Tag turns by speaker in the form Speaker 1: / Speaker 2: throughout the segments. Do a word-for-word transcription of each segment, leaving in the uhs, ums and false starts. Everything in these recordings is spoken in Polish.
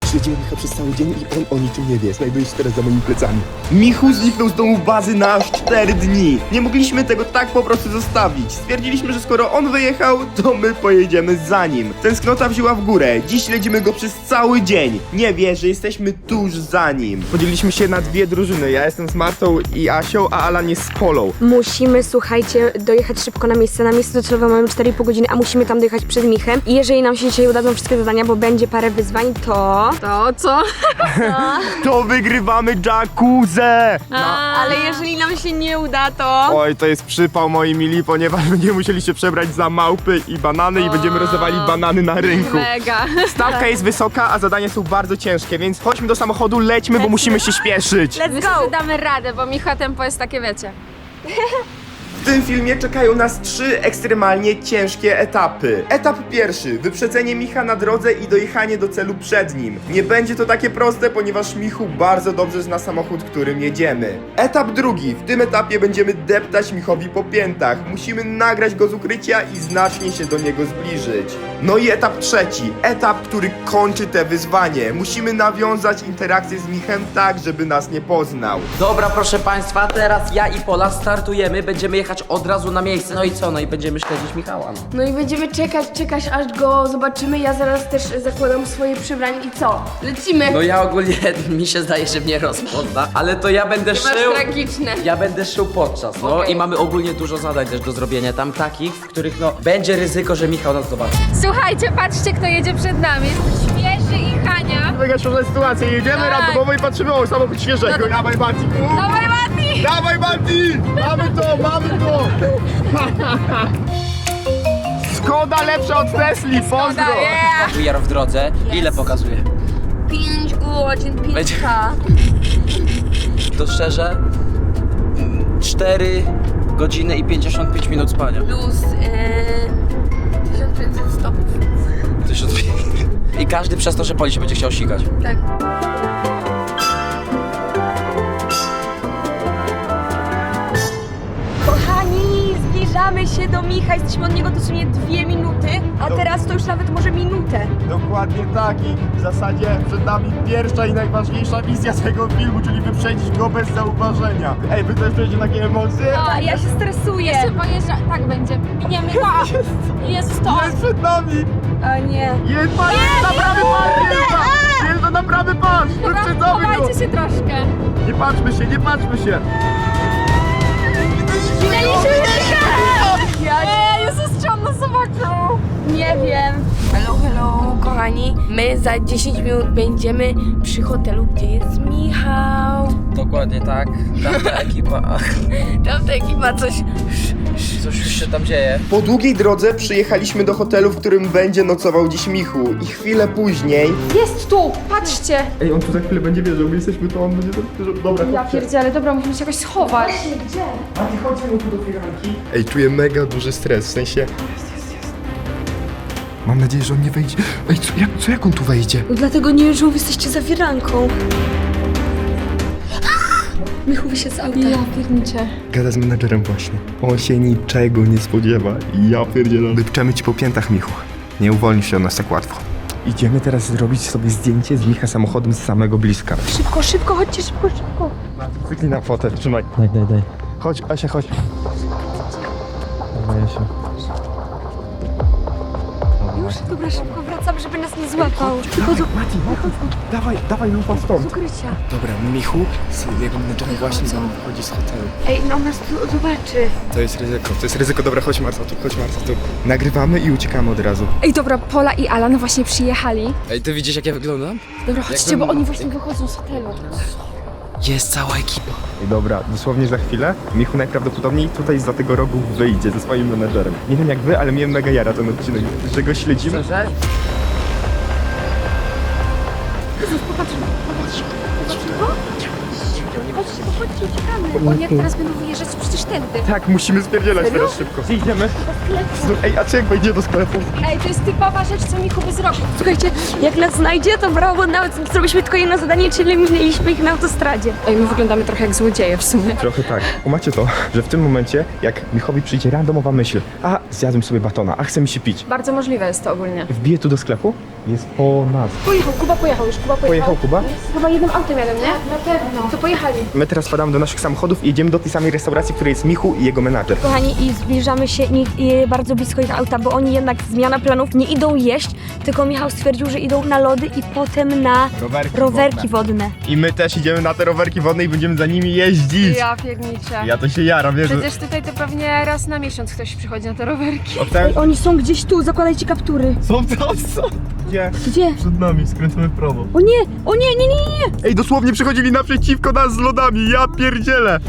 Speaker 1: Śledzimy Micha przez cały dzień i on o niczym nie wie. Znajduje się teraz za moimi plecami. Michu zniknął z domu bazy na aż cztery dni. Nie mogliśmy tego tak po prostu zostawić. Stwierdziliśmy, że skoro on wyjechał, to my pojedziemy za nim. Tęsknota wzięła w górę. Dziś śledzimy go przez cały dzień. Nie wie, że jesteśmy tuż za nim. Podzieliliśmy się na dwie drużyny. Ja jestem z Martą i Asią, a Alan jest z Polą.
Speaker 2: Musimy, słuchajcie, dojechać szybko na miejsce. Na miejsce docelowe mamy cztery i pół godziny, a musimy tam dojechać przed Michem. I jeżeli nam się dzisiaj udadzą wszystkie zadania, bo będzie parę wyzwań, to...
Speaker 3: To co?
Speaker 1: To wygrywamy jacuzzę!
Speaker 2: Ale jeżeli nam się nie uda, to...
Speaker 1: Oj, to jest przypał, moi mili, ponieważ będziemy musieli się przebrać za małpy i banany i będziemy rozdawali banany na rynku.
Speaker 3: Mega.
Speaker 1: Stawka jest wysoka, a zadania są bardzo ciężkie, więc chodźmy do samochodu, lećmy, bo musimy się śpieszyć.
Speaker 2: Let's
Speaker 3: My
Speaker 2: go!
Speaker 3: sobie damy radę, bo Micha tempo jest takie, wiecie.
Speaker 1: W tym filmie czekają nas trzy ekstremalnie ciężkie etapy. Etap pierwszy, wyprzedzenie Micha na drodze i dojechanie do celu przed nim. Nie będzie to takie proste, ponieważ Michu bardzo dobrze zna samochód, którym jedziemy. Etap drugi, w tym etapie będziemy deptać Michowi po piętach. Musimy nagrać go z ukrycia i znacznie się do niego zbliżyć. No i etap trzeci, etap, który kończy te wyzwanie. Musimy nawiązać interakcję z Michem tak, żeby nas nie poznał.
Speaker 4: Dobra, proszę państwa, teraz ja i Pola startujemy, będziemy jechać od razu na miejsce. No i co? No i będziemy śledzić Michała. No.
Speaker 5: No i będziemy czekać, czekać aż go zobaczymy. Ja zaraz też zakładam swoje przebranie i co? Lecimy!
Speaker 4: No ja ogólnie, mi się zdaje, że mnie rozpozna, ale to ja będę
Speaker 3: Masz
Speaker 4: szył.
Speaker 3: tragiczne.
Speaker 4: Ja będę szył podczas, no
Speaker 3: Okej.
Speaker 4: i mamy ogólnie dużo zadań też do zrobienia tam takich, w których no będzie ryzyko, że Michał nas zobaczy.
Speaker 3: Słuchajcie, patrzcie, kto jedzie przed nami. Jest świeży i Hania.
Speaker 1: Mega śmieszna sytuacja, jedziemy
Speaker 3: Tak.
Speaker 1: randomowo i patrzymy o samochód świeżego. Dawaj, Mati!
Speaker 3: Dawaj, Mati!
Speaker 1: Dawaj, Mati! Mamy to, mamy to! Skoda lepsza od Tesli, pozdro!
Speaker 3: Yeah.
Speaker 4: W R w drodze, ile pokazuje?
Speaker 3: pięć godzin,
Speaker 4: Będzie-
Speaker 3: pięć K.
Speaker 4: To szczerze, cztery godziny i pięćdziesiąt pięć minut spania.
Speaker 3: Plus yy, tysiąc pięćset stopów.
Speaker 4: Tysiąc I każdy przez to, że Poli się będzie chciał sikać.
Speaker 3: Tak.
Speaker 2: Kochani, zbliżamy się do Micha. Jesteśmy od niego dosłownie dwie minuty, a teraz to już nawet może minutę.
Speaker 1: Dokładnie tak i w zasadzie przed nami pierwsza i najważniejsza misja tego filmu, czyli wyprzedzić go bez zauważenia. Ej, wy też czujecie takie emocje?
Speaker 2: A ja się stresuję.
Speaker 3: Jeszcze pojeżdża, tak będzie. Miniemy go. Jezus, to
Speaker 1: Jest przed nami!
Speaker 2: O nie.
Speaker 1: Jest pan, na prawy pas, jest Jest to na prawy pas! Wyprzedzamy go!
Speaker 3: chowajcie się troszkę.
Speaker 1: Nie patrzmy się, nie patrzmy się!
Speaker 3: Ej, Jezus, czy on nas zobaczył?
Speaker 2: Nie wiem.
Speaker 5: Hello, hello, kochani. My za dziesięć minut będziemy przy hotelu, gdzie jest Michał.
Speaker 4: Dokładnie tak. Tamta ekipa, ach,
Speaker 5: Tamta ekipa coś...
Speaker 4: coś już się tam dzieje.
Speaker 1: Po długiej drodze przyjechaliśmy do hotelu, w którym będzie nocował dziś Michu. I chwilę później...
Speaker 3: Jest tu, patrzcie.
Speaker 1: Ej, on tu za chwilę będzie wierzył, my jesteśmy tu, on będzie wierzył. Dobra,
Speaker 3: Ja pierdzielę, dobra, musimy się jakoś schować.
Speaker 1: A ty chodźmy tu do firanki. Ej, czuję mega duży stres, w sensie... Jest, jest, jest. Mam nadzieję, że on nie wejdzie. Ej, co jak, co jak on tu wejdzie?
Speaker 2: Dlatego nie wiem, że wy jesteście za firanką. Michu wysiadł z auta.
Speaker 3: Ja pierniczę.
Speaker 1: Gada z menadżerem właśnie. On się niczego nie spodziewa. I ja pierdzielę. Wypczemy ci po piętach, Michu. Nie uwolnisz się od nas tak łatwo. Idziemy teraz zrobić sobie zdjęcie z Micha samochodem z samego bliska.
Speaker 2: Szybko, szybko, chodźcie, szybko, szybko.
Speaker 1: Cyknij na fotę, trzymaj.
Speaker 4: Daj, daj, daj.
Speaker 1: Chodź, Asia, chodź. Dawaj, Asia.
Speaker 2: Już, dobra, szybko wracamy, żeby nas nie złapał.
Speaker 1: Chodź, Mati, Mati, dawaj, dawaj, no pan stąd.
Speaker 2: Z ukrycia.
Speaker 1: Dobra, Michu z jego menedżerem właśnie za mną wychodzi z hotelu.
Speaker 2: Ej, no on nas tu zobaczy.
Speaker 1: To jest ryzyko, to jest ryzyko. Dobra, chodź Marta, tu, chodź Marta, tu. Nagrywamy i uciekamy od razu.
Speaker 3: Ej, dobra, Pola i Alan właśnie przyjechali.
Speaker 4: Ej, ty widzisz, jak ja wyglądam?
Speaker 3: Dobra, chodźcie, bo oni właśnie wychodzą z hotelu.
Speaker 4: Jest cała ekipa.
Speaker 1: I dobra, dosłownie za chwilę Michu najprawdopodobniej tutaj za tego rogu wyjdzie ze swoim menedżerem. Nie wiem jak wy, ale mnie mega jara ten odcinek, że go śledzimy.
Speaker 4: Szczerze?
Speaker 3: Chodźcie, bo chodźcie, uciekamy. Oni jak teraz będą wyjeżdżać, przecież tędy.
Speaker 1: Tak, musimy spierdzielać teraz szybko. Idziemy. Ej, a czy jak wejdzie do sklepu?
Speaker 3: Ej, to jest typowa rzecz, co Michu by zrobił.
Speaker 2: Słuchajcie, jak nas znajdzie, to brawo, nawet zrobiliśmy tylko jedno zadanie, czyli minęliśmy ich na autostradzie.
Speaker 3: Ej, my wyglądamy trochę jak złodzieje w sumie.
Speaker 1: Trochę tak. Macie to, że w tym momencie, jak Michowi przyjdzie randomowa myśl, a zjadłem sobie batona, a chce mi się pić.
Speaker 3: Bardzo możliwe jest to ogólnie.
Speaker 1: Wbiję tu do sklepu, Jest po nas.
Speaker 2: Pojechał, Kuba pojechał już, Kuba pojechał.
Speaker 1: Pojechał Kuba?
Speaker 2: Chyba jednym autem jadę, nie? Na pewno. To pojechali.
Speaker 1: My teraz wpadamy do naszych samochodów i idziemy do tej samej restauracji, w której jest Michu i jego menadżer.
Speaker 2: Kochani, i zbliżamy się i, i bardzo blisko ich auta, bo oni jednak zmiana planów nie idą jeść, tylko Michał stwierdził, że idą na lody i potem na
Speaker 1: Rowerki,
Speaker 2: rowerki wodne.
Speaker 1: I my też idziemy na te rowerki wodne i będziemy za nimi jeździć.
Speaker 3: Ja pierniczę.
Speaker 1: Ja to się jaram, wiesz?
Speaker 3: Przecież tutaj to pewnie raz na miesiąc ktoś przychodzi na te rowerki.
Speaker 1: Ocen...
Speaker 2: Oni są gdzieś tu, zakładajcie kaptury.
Speaker 1: Są to, są. Gdzie?
Speaker 2: Gdzie?
Speaker 1: Przed nami, skręcamy w prawo.
Speaker 2: O nie, o nie, nie, nie, nie.
Speaker 1: Ej, dosłownie przychodzili naprzeciwko nas z lodami, ja pierdzielę.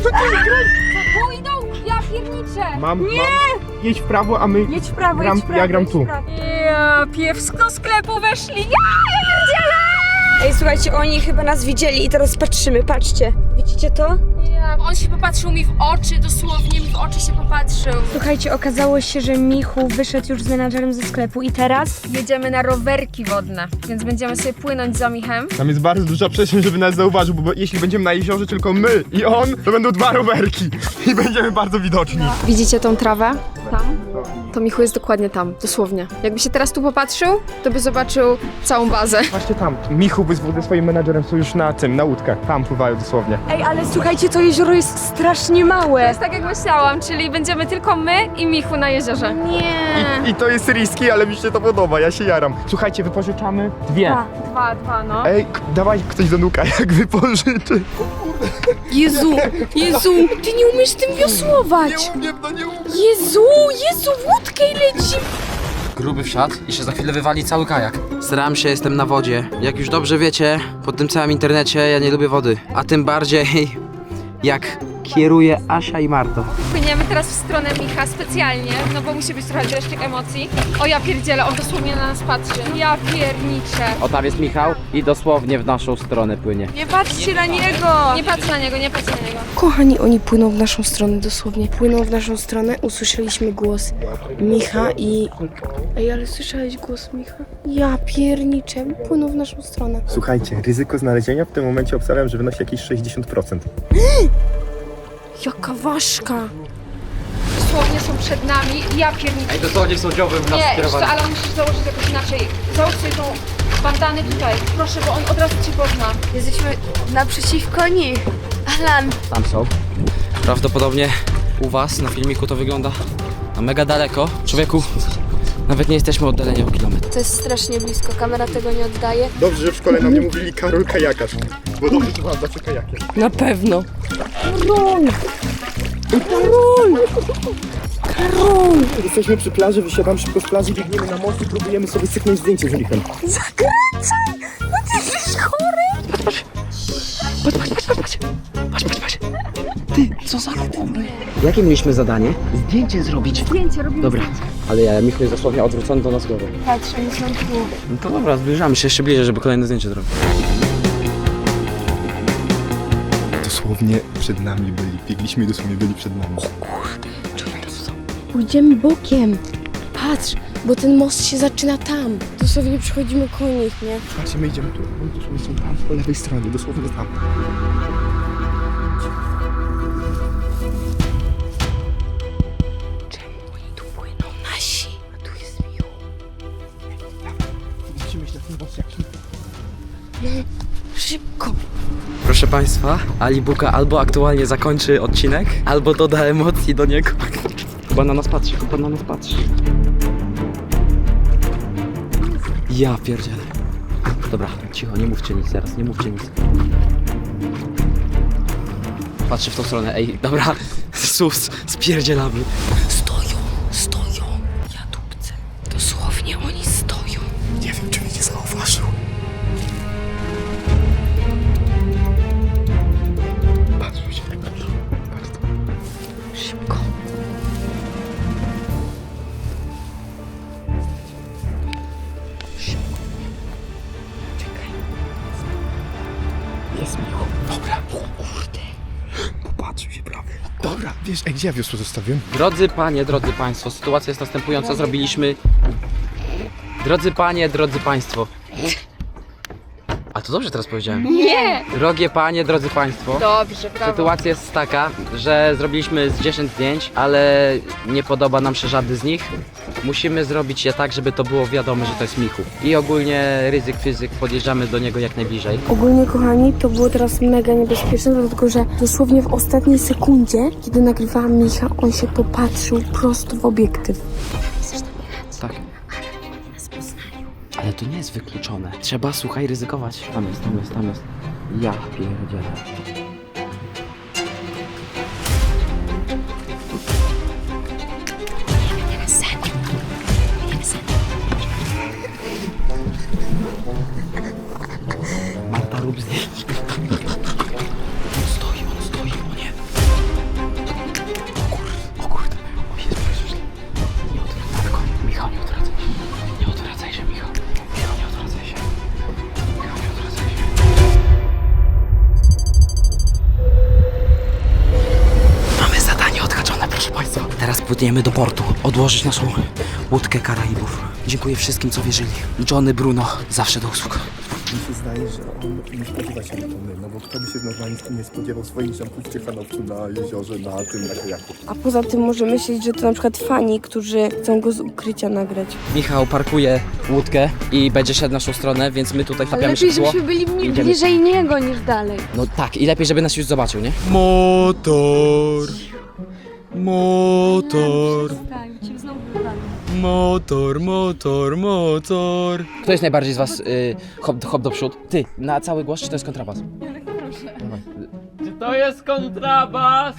Speaker 3: Pójdą, ja pierniczę.
Speaker 1: Mam, nie! Mam... Jedź w prawo, a my...
Speaker 2: Jedź w prawo,
Speaker 1: gram,
Speaker 2: jedź w prawo,
Speaker 1: ja gram
Speaker 2: jedź
Speaker 1: tu.
Speaker 2: w prawo.
Speaker 3: Ja piewsko do sklepu weszli. Ja, ja pierdzielę.
Speaker 2: Ej, słuchajcie, oni chyba nas widzieli i teraz patrzymy, patrzcie. Widzicie to?
Speaker 3: Ja, on się popatrzył mi w oczy, dosłownie mi w oczy się popatrzył.
Speaker 2: Słuchajcie, okazało się, że Michu wyszedł już z menadżerem ze sklepu i teraz...
Speaker 3: Jedziemy na rowerki wodne, więc będziemy sobie płynąć za Michem.
Speaker 1: Tam jest bardzo duża przestrzeń, żeby nas zauważył, bo jeśli będziemy na jeziorze tylko my i on, to będą dwa rowerki i będziemy bardzo widoczni.
Speaker 3: Widzicie tą trawę? Tam? To Michu jest dokładnie tam, dosłownie. Jakby się teraz tu popatrzył, to by zobaczył całą bazę.
Speaker 1: Właśnie tam. Michu by ze swoim menadżerem są już na tym, na łódkach. Tam pływają dosłownie.
Speaker 2: Ej, ale słuchajcie, to jezioro jest strasznie małe.
Speaker 3: To jest tak jak myślałam, czyli będziemy tylko my i Michu na jeziorze. Nie.
Speaker 1: I, I to jest risky, ale mi się to podoba, ja się jaram. Słuchajcie, wypożyczamy dwie.
Speaker 2: Tak.
Speaker 3: Dwa, dwa, no.
Speaker 1: Ej, k- dawaj ktoś do nuka, jak wypożyczy.
Speaker 5: Jezu, Jezu, ty nie umiesz tym wiosłować.
Speaker 1: umiem, no nie umiem.
Speaker 5: Jezu, Jezu, łódkę i leci.
Speaker 4: Gruby wsiadł i się za chwilę wywali cały kajak. Staram się, jestem na wodzie. Jak już dobrze wiecie, po tym całym internecie ja nie lubię wody. A tym bardziej jak kieruje Asia i Marto.
Speaker 3: Płyniemy teraz w stronę Micha specjalnie, no bo musi być trochę dreszczyk emocji. O ja pierdzielę, on dosłownie na nas patrzy. Ja pierniczę.
Speaker 4: O, tam jest Michał i dosłownie w naszą stronę płynie.
Speaker 2: Nie patrzcie na niego!
Speaker 3: Nie patrz na niego, nie patrz na niego.
Speaker 5: Kochani, oni płyną w naszą stronę, dosłownie. Płyną w naszą stronę, usłyszeliśmy głos Micha i... Ej, ale słyszałeś głos Micha? Ja pierniczę, płyną w naszą stronę.
Speaker 1: Słuchajcie, ryzyko znalezienia w tym momencie obstawiam, że wynosi jakieś sześćdziesiąt procent.
Speaker 5: Jaka ważka.
Speaker 3: Dosłownie są przed nami, ja pierniczę.
Speaker 4: Ej, dosłownie są dziobem w nas
Speaker 3: Nie, jeszcze,
Speaker 4: skierowani.
Speaker 3: ale musisz założyć jakoś inaczej. Załóż sobie tą bandanę tutaj, proszę, bo on od razu cię pozna.
Speaker 2: Jesteśmy naprzeciwko nich. Alan.
Speaker 4: Tam są. Prawdopodobnie u was na filmiku to wygląda na mega daleko. Człowieku, nawet nie jesteśmy oddaleni o kilometr.
Speaker 2: To jest strasznie blisko, kamera tego nie oddaje.
Speaker 1: Dobrze, że w szkole nam nie mówili Karol kajakarz, bo dobrze, że mam zawsze kajakiem.
Speaker 5: Na pewno.
Speaker 1: Jesteśmy przy plaży, wysiadam szybko z plaży, biegniemy na most i próbujemy sobie syknąć zdjęcie z Michem.
Speaker 4: Jakie mieliśmy zadanie? Zdjęcie zrobić.
Speaker 2: Zdjęcie robimy.
Speaker 4: Dobra, ale ja, Michał jest dosłownie odwrócony do nas głową.
Speaker 2: Patrz, oni są tu.
Speaker 4: No to dobra, zbliżamy się jeszcze bliżej, żeby kolejne zdjęcie zrobić.
Speaker 1: Dosłownie przed nami byli, biegliśmy i dosłownie byli przed nami.
Speaker 5: Pójdziemy bokiem. Patrz, bo ten most się zaczyna tam. Dosłownie przychodzimy koło nich, nie?
Speaker 1: Patrzcie, my idziemy tu, oni dosłownie są tam, po lewej stronie, dosłownie tam.
Speaker 5: Czemu oni tu płyną nasi? A tu jest miło.
Speaker 1: Musimy iść na ten most jakiś.
Speaker 5: Szybko.
Speaker 4: Proszę Państwa, Ali Buka albo aktualnie zakończy odcinek, albo doda emocji do niego. Chyba na nas patrzy, chyba na nas patrzy. Ja pierdzielę. Dobra, cicho, nie mówcie nic teraz, nie mówcie nic. Patrzy w tą stronę, ej, dobra, sus, spierdzielamy.
Speaker 5: Stoją, stoją. Ja dupcę. Dosłownie oni stoją.
Speaker 1: Nie wiem, czy mnie nie zauważył. Patrzcie się, jak patrzą. Patrz to.
Speaker 5: Szybko.
Speaker 1: Jest miło. Dobra. O kurde. Popatrzył się prawie. Dobra, wiesz, ej, gdzie ja wiosło zostawiłem?
Speaker 4: Drodzy panie, drodzy państwo, sytuacja jest następująca, zrobiliśmy... Drodzy panie, drodzy państwo. A A to dobrze teraz powiedziałem.
Speaker 3: Nie!
Speaker 4: Drogie panie, drodzy państwo.
Speaker 3: Dobrze, brawo.
Speaker 4: Sytuacja jest taka, że zrobiliśmy z dziesięć zdjęć, ale nie podoba nam się żadny z nich. Musimy zrobić je tak, żeby to było wiadome, że to jest Michu. I ogólnie ryzyk fizyk, podjeżdżamy do niego jak najbliżej.
Speaker 5: Ogólnie, kochani, to było teraz mega niebezpieczne, dlatego że dosłownie w ostatniej sekundzie, kiedy nagrywałam Micha, on się popatrzył prosto w obiektyw.
Speaker 4: Tak. Ale to nie jest wykluczone. Trzeba, słuchaj, ryzykować. Tam jest, tam jest, tam jest. Ja pierdzielę. Marta, rób zdjęcie. On stoi, on stoi, o nie. O kurde, o kurde. O Jezu, Jezu, nie odwracaj się. Michał, nie odwracaj się. Nie odwracaj się, Michał. Michał, nie odwracaj się. Michał, nie odwracaj się. Mamy zadanie odhaczone, proszę państwa. Teraz płyniemy do portu. Odłożyć naszą łódkę Karaibów. Dziękuję wszystkim, co wierzyli. Johnny, Bruno, zawsze do usług.
Speaker 1: Mi się zdaje, że on nie spodziewa się Antony, no bo kto by się w normalnym nie spodziewał swoich ziomków w Ciechanowcu na jeziorze, na tym, na kajaku.
Speaker 5: A poza tym może myśleć, że to na przykład fani, którzy chcą go z ukrycia nagrać.
Speaker 4: Michał parkuje łódkę i będzie szedł w naszą stronę, więc my tutaj
Speaker 2: Ale
Speaker 4: tapiamy
Speaker 2: lepiej,
Speaker 4: szybko.
Speaker 2: żebyśmy byli mniej-
Speaker 4: Idziemy.
Speaker 2: bliżej niego niż dalej.
Speaker 4: No tak, i lepiej, żeby nas już zobaczył, nie?
Speaker 6: Motor, motor, motor, motor, motor.
Speaker 4: Kto jest najbardziej z was y, hop, hop do przód? Ty, na cały głos, czy to jest kontrabas? Dawaj.
Speaker 6: Czy to jest kontrabas?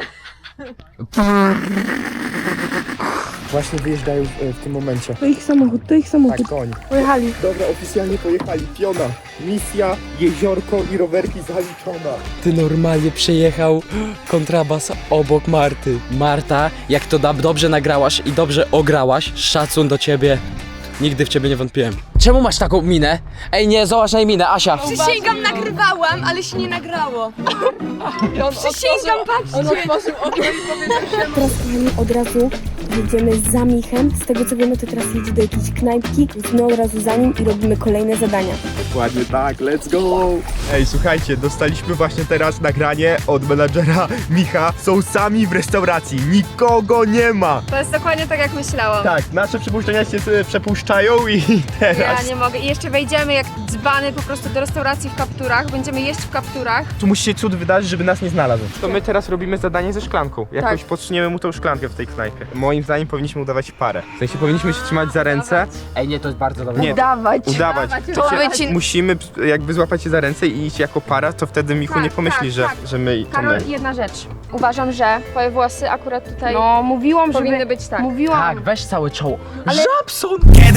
Speaker 1: Właśnie wyjeżdżają w, w tym momencie.
Speaker 5: To ich samochód, to ich samochód.
Speaker 1: Tak, koń.
Speaker 5: Pojechali.
Speaker 1: Dobra, oficjalnie pojechali. Piona, misja, jeziorko i rowerki zaliczona.
Speaker 6: Ty normalnie przejechał kontrabas obok Marty.
Speaker 4: Marta, jak to da- dobrze nagrałaś i dobrze ograłaś, szacun do ciebie. Nigdy w ciebie nie wątpiłem. Czemu masz taką minę? Ej, nie, zobacz na jej minę, Asia.
Speaker 2: Przysięgam, nagrywałam, ale się nie nagrało. Przysięgam, patrzcie.
Speaker 5: Teraz, kochani, od razu jedziemy za Michem. Z tego co wiemy, to teraz jedzie do jakiejś knajpki, więc my od razu za nim i robimy kolejne zadania.
Speaker 1: Dokładnie tak, let's go! Ej, słuchajcie, dostaliśmy właśnie teraz nagranie od menadżera Micha. Są sami w restauracji, nikogo nie ma.
Speaker 3: To jest dokładnie tak, jak myślałam.
Speaker 1: Tak, nasze przypuszczenia się e, przepuszczają i
Speaker 3: Ja
Speaker 1: teraz...
Speaker 3: nie mogę. I jeszcze wejdziemy jak dzbany po prostu do restauracji w kapturach. Będziemy jeść w kapturach.
Speaker 1: Tu musi się cud wydarzyć, żeby nas nie znalazł. To my teraz robimy zadanie ze szklanką. Jakoś
Speaker 3: Tak.
Speaker 1: podsuniemy mu tą szklankę w tej knajpie. Moim zdaniem powinniśmy udawać parę. W sensie powinniśmy się trzymać za ręce.
Speaker 4: Ej, nie, to jest bardzo dobre.
Speaker 1: Nie,
Speaker 2: Dawać.
Speaker 1: udawać.
Speaker 3: Udawać,
Speaker 1: To się,
Speaker 3: udawać.
Speaker 1: musimy jakby złapać się za ręce i iść jako para, to wtedy Michu
Speaker 3: Tak,
Speaker 1: nie pomyśli,
Speaker 3: tak,
Speaker 1: że,
Speaker 3: tak.
Speaker 1: że my to
Speaker 3: Karol,
Speaker 1: my.
Speaker 3: jedna rzecz. Uważam, że twoje włosy akurat tutaj
Speaker 5: No, mówiłam,
Speaker 3: powinny
Speaker 5: żeby...
Speaker 3: być tak.
Speaker 5: Mówiłam.
Speaker 4: Tak, weź całe czoło.
Speaker 1: Żabson!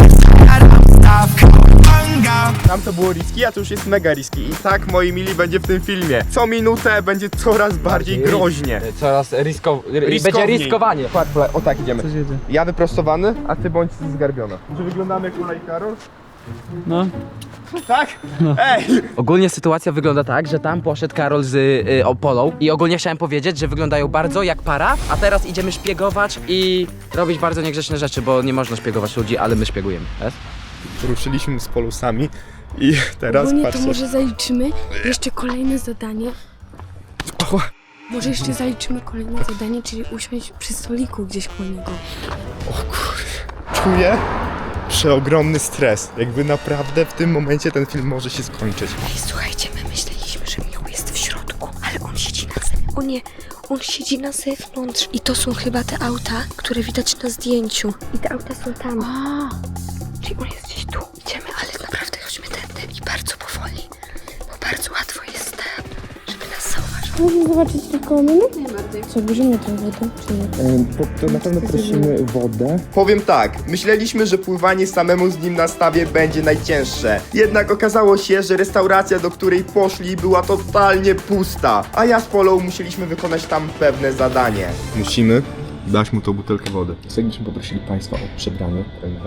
Speaker 1: Tam to było riski, a to już jest mega riski. I tak, moi mili, będzie w tym filmie. Co minutę będzie coraz bardziej groźnie.
Speaker 4: Coraz risko... ry- będzie
Speaker 1: Riskowniej.
Speaker 4: riskowanie.
Speaker 1: Patrz, o tak idziemy. Ja wyprostowany, a ty bądź zgarbiona. Czy wyglądamy jak Ula i Karol?
Speaker 6: No.
Speaker 1: Tak? Ej!
Speaker 4: Ogólnie sytuacja wygląda tak, że tam poszedł Karol z y, Opolą i ogólnie chciałem powiedzieć, że wyglądają bardzo jak para, a teraz idziemy szpiegować i robić bardzo niegrzeczne rzeczy, bo nie można szpiegować ludzi, ale my szpiegujemy. Jest?
Speaker 1: Ruszyliśmy z polusami i teraz
Speaker 5: Ogólnie to
Speaker 1: patrzcie.
Speaker 5: może zaliczymy jeszcze kolejne zadanie.
Speaker 1: O,
Speaker 5: Może jeszcze zaliczymy kolejne zadanie, czyli usiąść przy stoliku gdzieś koło niego.
Speaker 1: o kurde. Czuję przeogromny stres. Jakby naprawdę w tym momencie ten film może się skończyć.
Speaker 2: Ej, słuchajcie, my myśleliśmy, że Michał jest w środku, ale on siedzi na zewnątrz. O nie, on siedzi na zewnątrz. I to są chyba te auta, które widać na zdjęciu. I te auta są tam. A, czyli on jest gdzieś tu. Idziemy, ale naprawdę chodźmy tędy i bardzo powoli, bo bardzo łatwo jest, e, żeby nas zauważył.
Speaker 5: Można zobaczyć tylko minut? Nie bardziej. Co, bierzemy tę wodę, czy nie?
Speaker 1: To, to na pewno prosimy wodę. Powiem tak, myśleliśmy, że pływanie samemu z nim na stawie będzie najcięższe. Jednak okazało się, że restauracja, do której poszli, była totalnie pusta. A ja z Polą musieliśmy wykonać tam pewne zadanie. Musimy dać mu tą butelkę wody. Serdecznie poprosili Państwa o przebranie trenera.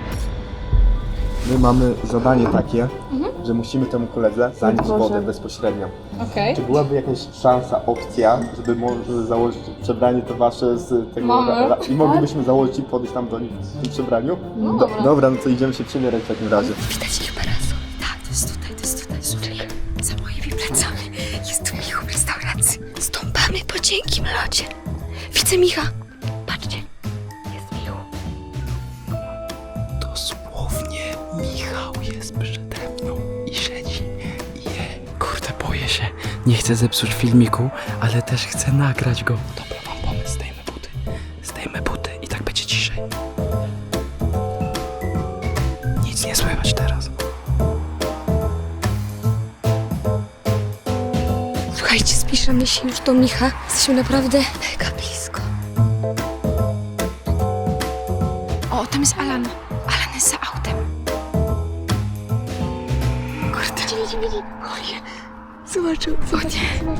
Speaker 1: My mamy zadanie takie, że musimy temu koledze zanieść wodę bezpośrednio.
Speaker 3: Okej.
Speaker 1: Czy byłaby jakaś szansa, opcja, żeby może założyć przebranie to wasze z tego
Speaker 3: Mamy.
Speaker 1: ra- i moglibyśmy założyć i podejść tam do nich w tym przebraniu?
Speaker 3: No
Speaker 1: Do,
Speaker 3: dobra.
Speaker 1: dobra, no to idziemy się przymierać w takim razie.
Speaker 2: Widać ich parasol. Tak, to jest tutaj, to jest tutaj. i wracamy. Jest tu Michu w restauracji. Stąpamy po cienkim lodzie. Widzę Micha. Patrzcie, jest Michu.
Speaker 6: Dosłownie Michał jest przede mną i siedzi i je. Kurde, boję się. Nie chcę zepsuć filmiku, ale też chcę nagrać go. Dobra, mam pomysł. Zdejmę buty. Zdejmę buty i tak będzie ciszej. Nic nie słychać teraz.
Speaker 2: Słuchajcie, zbliżamy się już do Micha. Jesteśmy naprawdę mega blisko.
Speaker 3: O, tam jest Alan. Alan jest za autem.
Speaker 2: Kurde, nie widzi, widzi. O nie. Zobaczył, zobaczył.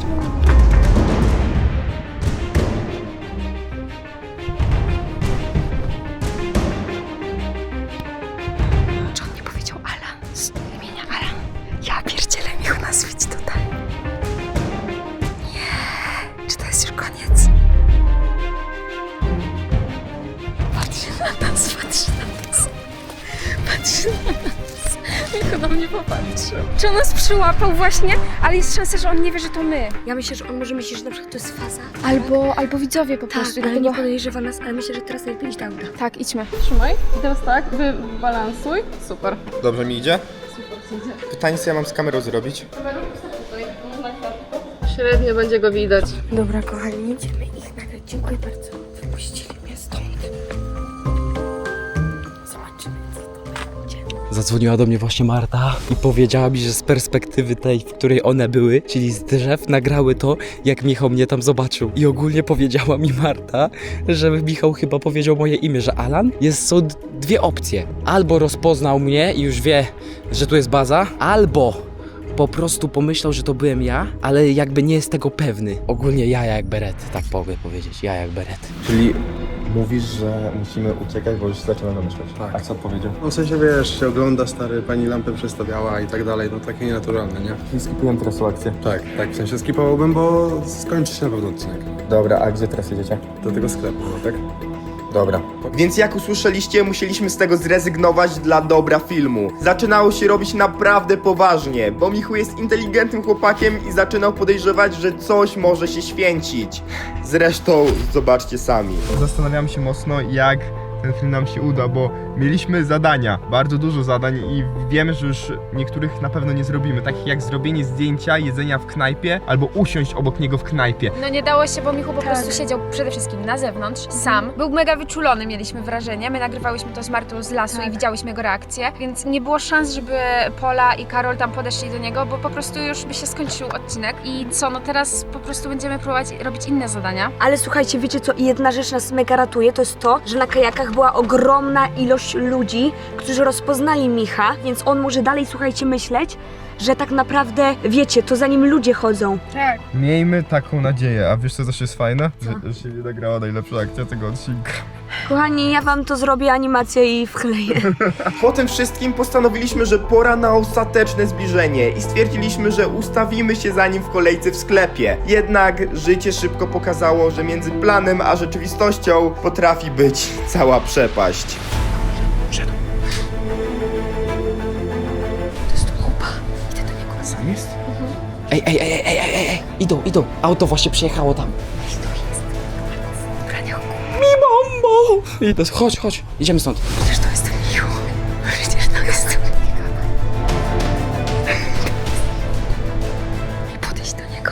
Speaker 2: Czy on nie powiedział Alan? Z imienia Alan. Ja pierdzielę, Michu nas widzi tutaj. Nie. Czy to jest już koniec? Patrzy na nas, patrzy na nas. Patrzy na nas.
Speaker 3: Michu na mnie popatrzył. Czy on nas przyłapał właśnie? Ale jest szansa, że on nie wie, że to my.
Speaker 2: Ja myślę, że on może myśleć, że na przykład to jest faza.
Speaker 3: Albo, albo widzowie po
Speaker 2: Tak,
Speaker 3: prostu.
Speaker 2: ale nie
Speaker 3: Dlatego...
Speaker 2: podejrzewa nas, ale myślę, że teraz najlepiej iść do auta.
Speaker 3: Tak, idźmy. Trzymaj. I teraz tak, wybalansuj. Super.
Speaker 1: Dobrze mi idzie?
Speaker 3: Super, idzie.
Speaker 1: Pytanie, co ja mam z kamerą zrobić?
Speaker 3: Średnio będzie go widać.
Speaker 2: Dobra, kochani, idziemy ich nagrać. Dziękuję bardzo. Wypuścili mnie stąd. Zobaczymy, co to będzie.
Speaker 6: Zadzwoniła do mnie właśnie Marta i powiedziała mi, że z perspektywy tej, w której one były, czyli z drzew, nagrały to, jak Michał mnie tam zobaczył. I ogólnie powiedziała mi Marta, że Michał chyba powiedział moje imię, że Alan. Jest, są d- dwie opcje. Albo rozpoznał mnie i już wie, że tu jest baza, albo po prostu pomyślał, że to byłem ja, ale jakby nie jest tego pewny. Ogólnie ja jak beret, tak mogę powiedzieć, ja jak beret.
Speaker 1: Czyli mówisz, że musimy uciekać, bo już zaczynam namyślać.
Speaker 7: Tak.
Speaker 1: A co powiedział?
Speaker 7: No w sensie wiesz, się ogląda stary, pani lampę przestawiała i tak dalej, no takie nienaturalne, nie?
Speaker 1: I skipuję teraz tą akcję.
Speaker 7: Tak, tak, w sensie skipowałbym, bo skończy się na pewno odcinek.
Speaker 1: Dobra, a gdzie teraz jedziecie?
Speaker 7: Do tego sklepu, no tak?
Speaker 1: Dobra. Więc jak usłyszeliście, musieliśmy z tego zrezygnować dla dobra filmu. Zaczynało się robić naprawdę poważnie, bo Michu jest inteligentnym chłopakiem i zaczynał podejrzewać, że coś może się święcić. Zresztą zobaczcie sami. Zastanawiam się mocno, jak ten film nam się uda, bo mieliśmy zadania, bardzo dużo zadań i wiemy, że już niektórych na pewno nie zrobimy, takich jak zrobienie zdjęcia, jedzenia w knajpie albo usiąść obok niego w knajpie.
Speaker 3: No nie dało się, bo Michu po prostu siedział przede wszystkim na zewnątrz, sam. Był mega wyczulony, mieliśmy wrażenie. My nagrywałyśmy to z Martą z lasu i widziałyśmy jego reakcję, więc nie było szans, żeby Pola i Karol tam podeszli do niego, bo po prostu już by się skończył odcinek. I co, no teraz po prostu będziemy próbować robić inne zadania.
Speaker 2: Ale słuchajcie, wiecie co? Jedna rzecz nas mega ratuje, to jest to, że na kajakach była ogromna ilość ludzi, którzy rozpoznali Micha, więc on może dalej, słuchajcie, myśleć, że tak naprawdę, wiecie, to za nim ludzie chodzą.
Speaker 3: Tak.
Speaker 1: Miejmy taką nadzieję, a wiesz co też jest fajne? Że, że się nie nagrała najlepsza akcja tego odcinka.
Speaker 2: Kochani, ja wam to zrobię animację i wkleję.
Speaker 1: Po tym wszystkim postanowiliśmy, że pora na ostateczne zbliżenie i stwierdziliśmy, że ustawimy się za nim w kolejce w sklepie. Jednak życie szybko pokazało, że między planem a rzeczywistością potrafi być cała przepaść.
Speaker 2: To jest tu chłopa. Idę do niego.
Speaker 1: Sam jest?
Speaker 6: Ej, ej, ej, ej, ej, ej, ej, idą, idą. Auto właśnie przyjechało tam. Mambo! Idę, chodź, chodź, idziemy stąd.
Speaker 2: Przecież to jest ten Michu. Przecież to jest ten I podejść do niego.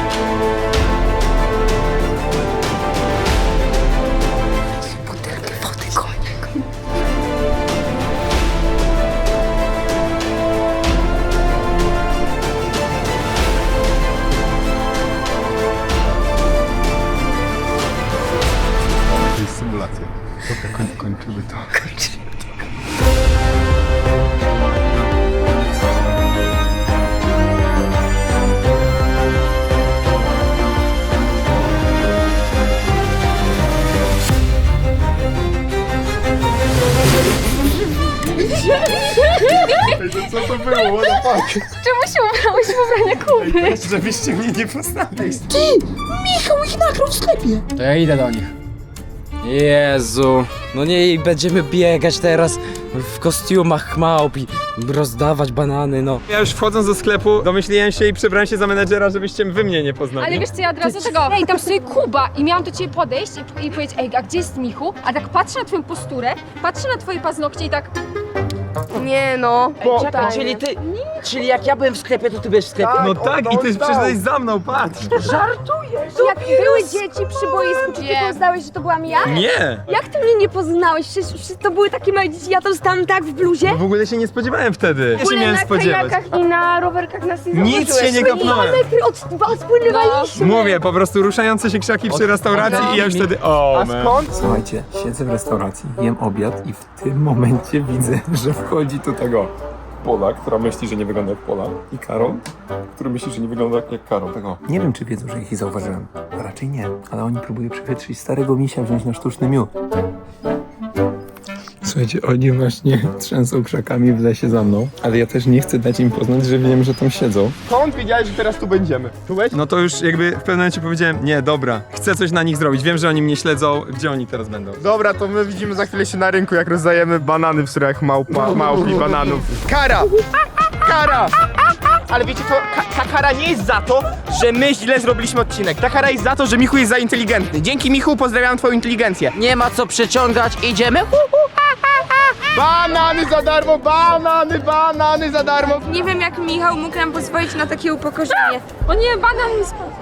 Speaker 2: Butelkę wody.
Speaker 3: Czemu się ubrałeś w ubranie Kuby?
Speaker 1: Żebyście mnie nie poznali.
Speaker 4: To ja idę do nich. Jezu. No nie, i będziemy biegać teraz w kostiumach małp i rozdawać banany, no.
Speaker 8: Ja już wchodząc do sklepu domyśliłem się i przebrałem się za menedżera, żebyście wy mnie nie poznali.
Speaker 3: Ale wiesz co, ja od razu tego, ej, tam stoi Kuba i miałam do ciebie podejść i, i powiedzieć, ej, a gdzie jest Michu? A tak patrzę na twoją posturę, patrzę na twoje paznokcie i tak,
Speaker 5: Nie no.
Speaker 4: Czekaj, czyli ty, czyli jak ja byłem w sklepie, to ty byłeś w sklepie?
Speaker 8: No tak, i ty przyszedłeś za mną, patrz!
Speaker 3: jak były dzieci przy boisku, czy ty poznałeś, że to byłam ja?
Speaker 8: Nie!
Speaker 2: Jak ty mnie nie poznałeś? Przecież przecież to były takie małe dzieci, ja to stałam tak w bluzie.
Speaker 8: W ogóle się nie spodziewałem wtedy. Ja się miałem
Speaker 5: na
Speaker 8: spodziewać.
Speaker 5: kajakach i na rowerkach nas nie
Speaker 8: Nic
Speaker 5: zauważyłeś.
Speaker 8: się nie kopnąłem.
Speaker 2: Od was płynęliśmy.
Speaker 8: Mówię, po prostu ruszające się krzaki przy restauracji i ja już wtedy, o man.
Speaker 9: Słuchajcie, siedzę w restauracji, jem obiad i w tym momencie widzę, że wchodzi tu tego Pola, która myśli, że nie wygląda jak Pola, i Karol, który myśli, że nie wygląda jak Karol. Tego. Nie wiem, czy wiedzą, że ich zauważyłem. Raczej nie, ale oni próbują przechytrzyć starego misia wziąć na sztuczny miód. Słuchajcie, oni właśnie trzęsą krzakami w lesie za mną, ale ja też nie chcę dać im poznać, że wiem, że tam siedzą.
Speaker 1: Skąd wiedziałeś, że teraz tu będziemy? Czułeś?
Speaker 8: No to już jakby w pewnym momencie powiedziałem, nie, dobra, chcę coś na nich zrobić, wiem, że oni mnie śledzą, gdzie oni teraz będą.
Speaker 1: Dobra, to my widzimy za chwilę się na rynku, jak rozdajemy banany w strojach małpa, małp i bananów. Kara! Kara! Ale wiecie co, Ka- ta kara nie jest za to, że my źle zrobiliśmy odcinek. Ta kara jest za to, że Michu jest za inteligentny. Dzięki Michu pozdrawiam twoją inteligencję.
Speaker 4: Nie ma co przeciągać, idziemy?
Speaker 1: Banany za darmo, banany, banany za darmo.
Speaker 5: Nie wiem, jak Michał mógł nam pozwolić na takie upokorzenie.
Speaker 3: O nie, banan mi spadł.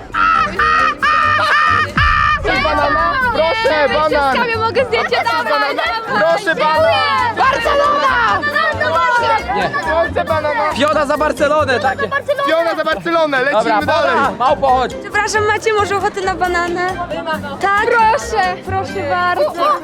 Speaker 1: Chcesz banana? Proszę, banan.
Speaker 3: Ja mogę zdjęcie dawać.
Speaker 1: Proszę, banan. Barcelona! Chcę banana.
Speaker 4: Fiona za Barcelonę, takie.
Speaker 1: Piona za Barcelonę, lecimy
Speaker 4: Dobra,
Speaker 1: dalej.
Speaker 4: Pola, małpo, chodź.
Speaker 5: Przepraszam, macie może ochotę na bananę?
Speaker 3: Tak, proszę, proszę bardzo.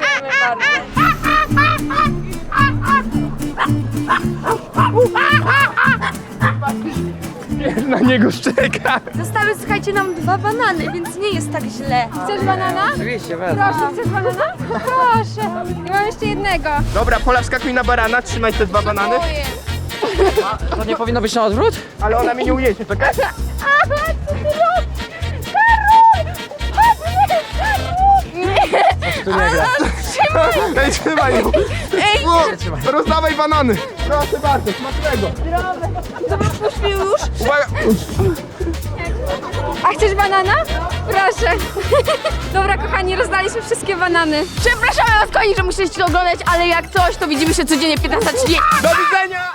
Speaker 1: Na niego szczeka.
Speaker 5: Zostały, słuchajcie, nam dwa banany, więc nie jest tak źle.
Speaker 3: Chcesz banana?
Speaker 4: Oczywiście, wezmę.
Speaker 3: Proszę, chcesz banana? Proszę. I mam jeszcze jednego.
Speaker 1: Dobra, Pola, wskakuj na barana, trzymaj te dwa banany.
Speaker 3: Boję.
Speaker 4: To nie powinno być na odwrót?
Speaker 1: Ale ona mnie nie ujedzie, czekaj.
Speaker 4: Tu nie gra.
Speaker 1: Ej, trzymaj ją. Ej, rozdawaj banany. Proszę bardzo, smacznego.
Speaker 5: Puść mi już.
Speaker 1: Uwaga.
Speaker 3: A chcesz banana? Proszę. Dobra, kochani, rozdaliśmy wszystkie banany.
Speaker 5: Przepraszamy was, kochani, że musieliście to oglądać, ale jak coś, to widzimy się codziennie piętnasta trzydzieści.
Speaker 1: Do widzenia.